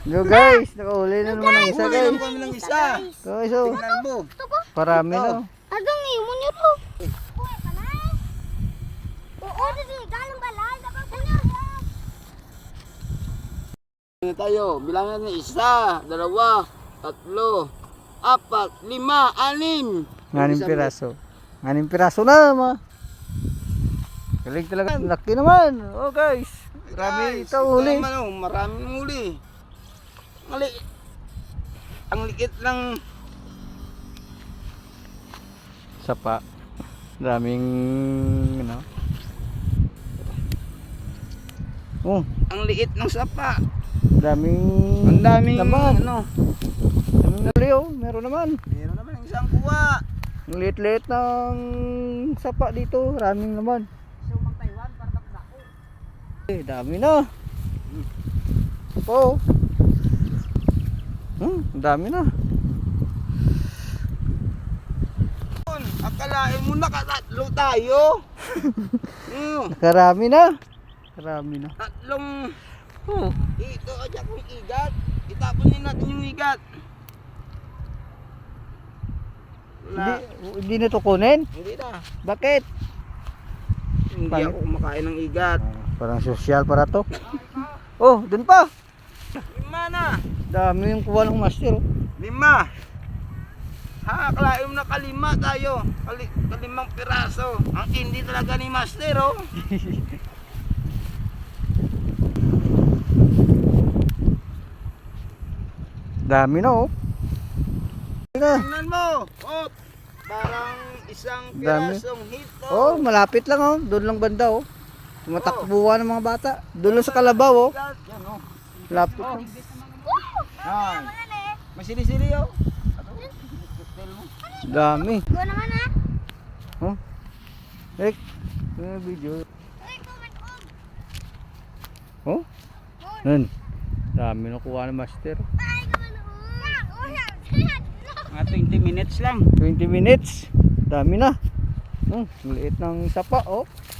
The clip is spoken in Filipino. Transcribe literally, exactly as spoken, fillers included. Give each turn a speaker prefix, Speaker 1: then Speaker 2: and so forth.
Speaker 1: Go guys, nakahuli na naman ang isa
Speaker 2: Huli
Speaker 1: guys.
Speaker 2: naman kami ng isa.
Speaker 1: Guys, oh.
Speaker 2: Tingnan mo.
Speaker 1: Parami
Speaker 2: Ito.
Speaker 1: na.
Speaker 3: Adong ni mo niyo ro. Oo, dili galang balay dapat punya.
Speaker 2: Ano tayo? Bilangan niya isa, dalawa, tatlo, apat, lima, anim.
Speaker 1: Nganim piraso. Nganim piraso na ma. Galing talaga. Laki naman. Oh guys. Marami ito huli.
Speaker 2: Naman, oh, maraming huli. Mali. Ang liit lang.
Speaker 1: Sapa. Daming ano. Oh,
Speaker 2: Ang liit ng sapa.
Speaker 1: daming
Speaker 2: Ang daming
Speaker 1: laman.
Speaker 2: ano.
Speaker 1: Daming nali oh. Meron naman.
Speaker 2: Meron naman ang isang kuha.
Speaker 1: Ang liit-liit ng sapa dito. Maraming naman.
Speaker 2: Sumang Taiwan para takdako.
Speaker 1: Eh, dami na. Oh. Hmm, ang dami na.
Speaker 2: Akalain mo nakatatlo tayo. mm,
Speaker 1: Karami na. Karami na.
Speaker 2: tatlong
Speaker 1: Oh.
Speaker 2: ito aja kong igat. Itapon din natin yung igat.
Speaker 1: Hindi,
Speaker 2: Wala.
Speaker 1: hindi na to kunin.
Speaker 2: Hindi na.
Speaker 1: Bakit?
Speaker 2: Hindi
Speaker 1: Pangit.
Speaker 2: ako kumakain ng igat.
Speaker 1: Parang social para to. Oh, dun pa.
Speaker 2: Lima na.
Speaker 1: Dami yung kuha ng master. Oh.
Speaker 2: Lima. Ha, akalain mo na kalima tayo. Kali, kalimang piraso. Ang hindi talaga ni Master, oh.
Speaker 1: Dami na oh. Na.
Speaker 2: Tingnan mo. Oh, parang isang
Speaker 1: Dami.
Speaker 2: pirasong hito.
Speaker 1: Oh, malapit lang oh. Doon lang banda oh. Tumatakbuhan ng mga bata. Doon lang sa kalabaw oh.
Speaker 2: Yan, oh.
Speaker 1: Lapit lang.
Speaker 2: Yan. Masili-sili, oh.
Speaker 1: Dami.
Speaker 3: Go naman ha.
Speaker 1: Oh. Ek, may video.
Speaker 3: Ay, comment on.
Speaker 1: Oh. Nun. Dami na kuha ng master.
Speaker 3: Ay, naman on. Oh, yan.
Speaker 2: Mga twenty minutes lang.
Speaker 1: twenty minutes. Dami na. Hmm, ang liit ng sapa oh.